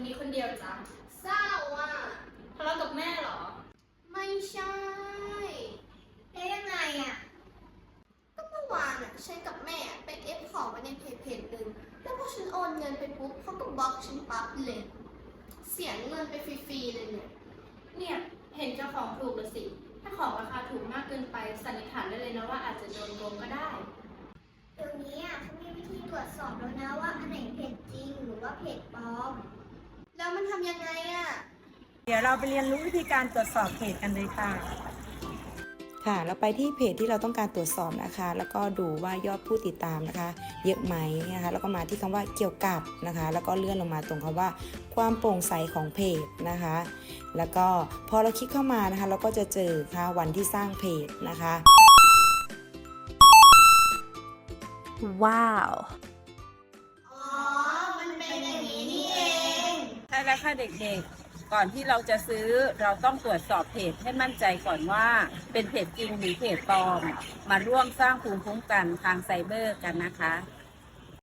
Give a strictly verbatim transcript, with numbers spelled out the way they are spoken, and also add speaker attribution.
Speaker 1: นี้คนเดียวจ้ะ
Speaker 2: เศร้าอ่ะ
Speaker 1: ทะเลาะกับแม่เหรอ
Speaker 2: ไม่ใช่เอ๊ะยังไงอ่ะก็เมื่อวานอ่ะฉันกับแม่ไปเอฟของมาในเพจเพจหนึ่งแล้วพอฉันโอนเงินไปปุ๊บเขาก็บล็อกฉันปั๊บเลยเสียเงินไปฟรีๆเลยเนี่ย
Speaker 1: เนี่ยเห็นเจ้าของถูกหรือสิ ถ้าของราคาถูกมากเกินไปสันนิษฐานได้เลยนะว่าอาจจะโดนโกงก็ได้
Speaker 2: เดี๋ยวนี้อ่ะเขามีวิธีตรวจสอบแล้วนะว่าอันไหนเพจจริงหรือว่าเพจปลอมแล้วมันทำยังไงอ่ะ
Speaker 3: เดี๋ยวเราไปเรียนรู้วิธีการตรวจสอบเพจกันเลยค่ะ
Speaker 4: ค่ะเราไปที่เพจที่เราต้องการตรวจสอบนะคะ แล้วก็ดูว่ายอดผู้ติดตามนะคะ เยอะไหมนะคะแล้วก็มาที่คำว่าเกี่ยวกับนะคะ แล้วก็เลื่อนลงมาตรงคำว่าความโปร่งใสของเพจนะคะ แล้วก็พอเราคลิกเข้ามานะคะ เราก็จะเจอค่ะวันที่สร้างเพจนะคะ
Speaker 5: ว้าว
Speaker 2: อ๋อมันเป็นอย่างนี้นี่เอง
Speaker 3: ใช่แล้วค่ะเด็กๆ ก่อนที่เราจะซื้อเราต้องตรวจสอบเพจให้มั่นใจก่อนว่าเป็นเพจจริงหรือเพจปลอม มาร่วมสร้างภูมิคุ้มกันทางไซเบอร์กันนะคะ